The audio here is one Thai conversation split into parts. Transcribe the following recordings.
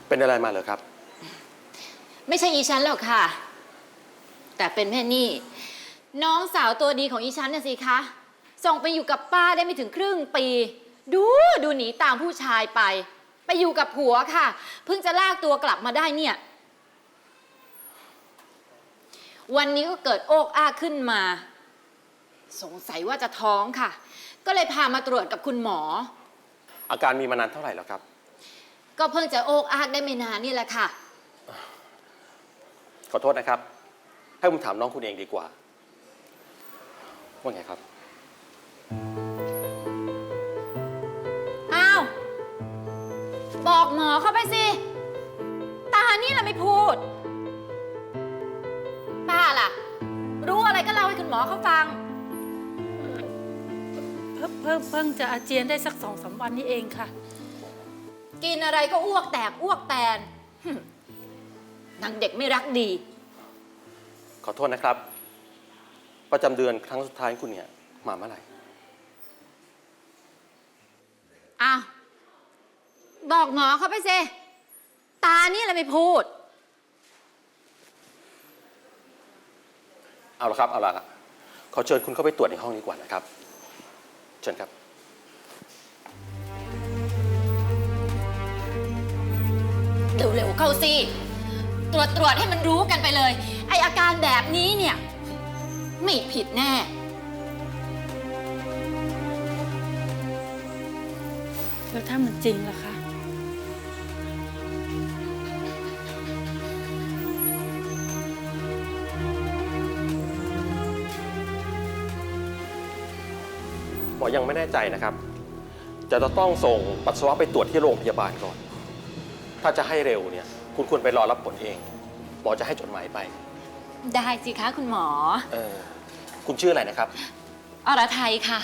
เป็นอะไรมาเหรอครับไม่ใช่อีฉันหรอกค่ะแต่เป็นแม่นี่น้องสาวตัวดีของอีฉันน่ะสิคะส่งไปอยู่กับป้าได้ไม่ถึงครึ่งปีดูหนีตามผู้ชายไปอยู่กับผัวค่ะเพิ่งจะลากตัวกลับมาได้เนี่ยวันนี้ก็เกิดโอกอ้ากขึ้นมาสงสัยว่าจะท้องค่ะก็เลยพามาตรวจกับคุณหมออาการมีมานานเท่าไหร่แล้วครับก็เพิ่งจะโอกอ้ากได้ไม่นานนี่แหละค่ะขอโทษนะครับให้ผมถามน้องคุณเองดีกว่าว่าไงครับอ้าวบอกหมอเข้าไปสิตานี่แหละไม่พูดป้าล่ะรู้อะไรก็เล่าให้คุณหมอเขาฟังเพิ่งจะอาเจียนได้สัก2-3 วันนี้เองค่ะกินอะไรก็อ้วกแตกอ้วกแตนนางเด็กไม่รักดีขอโทษนะครับประจำเดือนครั้งสุดท้ายคุณเนี่ยมาเมื่อไหร่อ้าวบอกหมอเขาไปสิตานี่แหละไม่พูดเอาละครับเอาละขอเชิญคุณเข้าไปตรวจในห้องนี้ก่อนนะครับเชิญครับเร็วๆเข้าสิตรวจให้มันรู้กันไปเลยไออาการแบบนี้เนี่ยไม่ผิดแน่แล้วถ้ามันจริงล่ะคะหมอยังไม่แน่ใจนะครับจะต้องส่งปัสสาวะไปตรวจที่โรงพยาบาลก่อนถ้าจะให้เร็วเนี่ยคุณควรไปรอรับผลเองหมอจะให้จดหมายไปได้สิคะคุณหมอคุณชื่ออะไรนะครับอรไทยค่ะ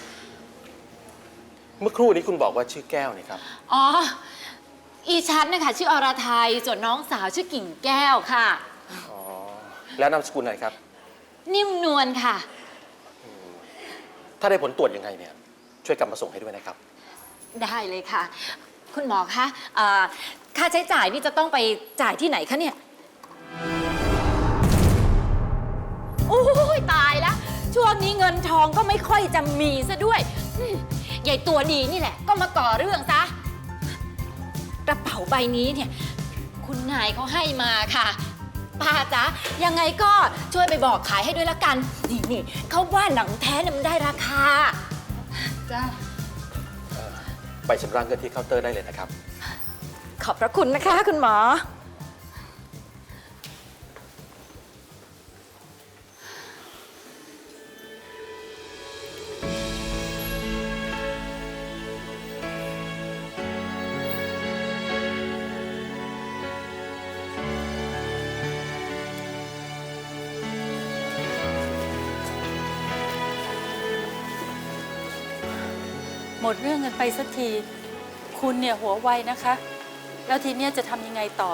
เมื่อครู่นี้คุณบอกว่าชื่อแก้วนี่ครับอ๋ออีชันนะคะชื่ออรไทยส่วนน้องสาวชื่อกิ่งแก้วค่ะอ๋อแล้วนามสกุลอะไรครับนิ่มนวลค่ะถ้าได้ผลตรวจยังไงเนี่ยช่วยกลับมาส่งให้ด้วยนะครับได้เลยค่ะคุณหมอคะค่าใช้จ่ายนี่จะต้องไปจ่ายที่ไหนคะเนี่ยโอ้ยตายแล้วช่วงนี้เงินทองก็ไม่ค่อยจะมีซะด้วยใหญ่ตัวดีนี่แหละก็มาก่อเรื่องซะกระเป๋าใบนี้เนี่ยคุณนายเขาให้มาค่ะป้าจ๊ะยังไงก็ช่วยไปบอกขายให้ด้วยละกันนี่เขาว่าหนังแท้เนี่ยมันได้ราคาจ้าไปชำระเงินที่เคาน์เตอร์ได้เลยนะครับขอบพระคุณนะคะคุณหมอหมดเรื่องกันไปสักทีคุณเนี่ยหัวไวนะคะแล้วทีเนี้ยจะทำยังไงต่อ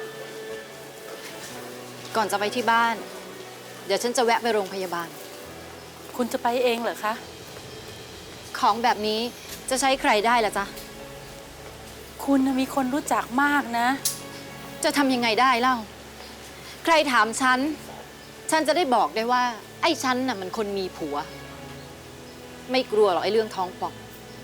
ก่อนจะไปที่บ้านเดี๋ยวฉันจะแวะไปโรงพยาบาลคุณจะไปเองเหรอคะของแบบนี้จะใช้ใครได้ล่ะจ๊ะคุณมีคนรู้จักมากนะจะทำยังไงได้เล่าใครถามฉันจะได้บอกได้ว่าไอ้ฉันน่ะมันคนมีผัวไม่กลัวหรอกไอ้เรื่องท้องป่อง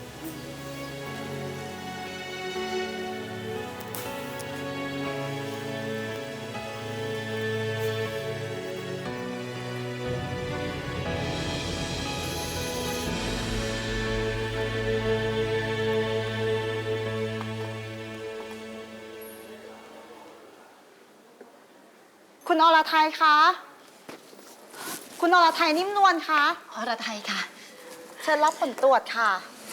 คุณอรไทยคะคุณอรไทยนิ่มนวลคะอรไทยค่ะเชิญรับผลตรวจค่ะ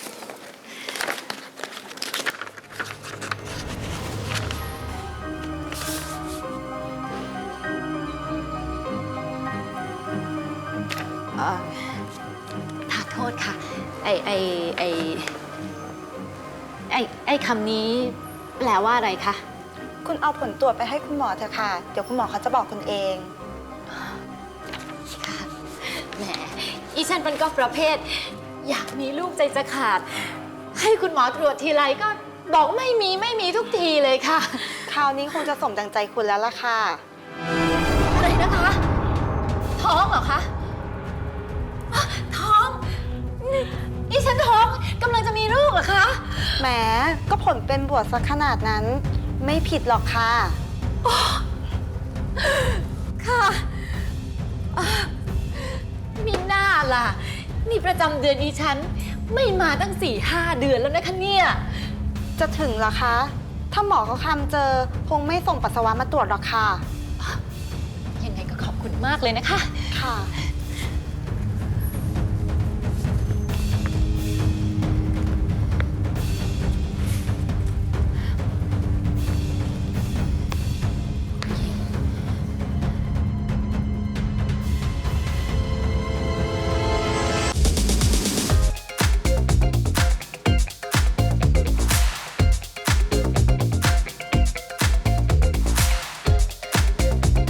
ขอโทษค่ะไอ้คำนี้แปลว่าอะไรคะคุณเอาผลตรวจไปให้คุณหมอเถอะค่ะเดี๋ยวคุณหมอเขาจะบอกคุณเองค่ะแหมอีฉันเป็นก็ประเภทอยากมีลูกใจจะขาดให้คุณหมอตรวจทีไรก็บอกไม่มีทุกทีเลยค่ะคราวนี้คงจะสมดังใจคุณแล้วล่ะค่ะอะไรนะคะ ท้องเหรอคะอ๊ะท้องนี่ฉันท้องกำลังจะมีลูกเหรอคะแหม ก็ผลเป็นบวกสักขนาดนั้น ไม่ผิดหรอกค่ะค่ะอ่ะมีหน้าล่ะ นี่ประจำเดือนดิฉัน ไม่มาตั้ง 4-5 เดือนแล้วนะคะเนี่ยจะถึงเหรอคะ ถ้าหมอเขาคำเจอ คงไม่ส่งปัสสาวะมาตรวจหรอกค่ะยังไงก็ขอบคุณมากเลยนะคะค่ะ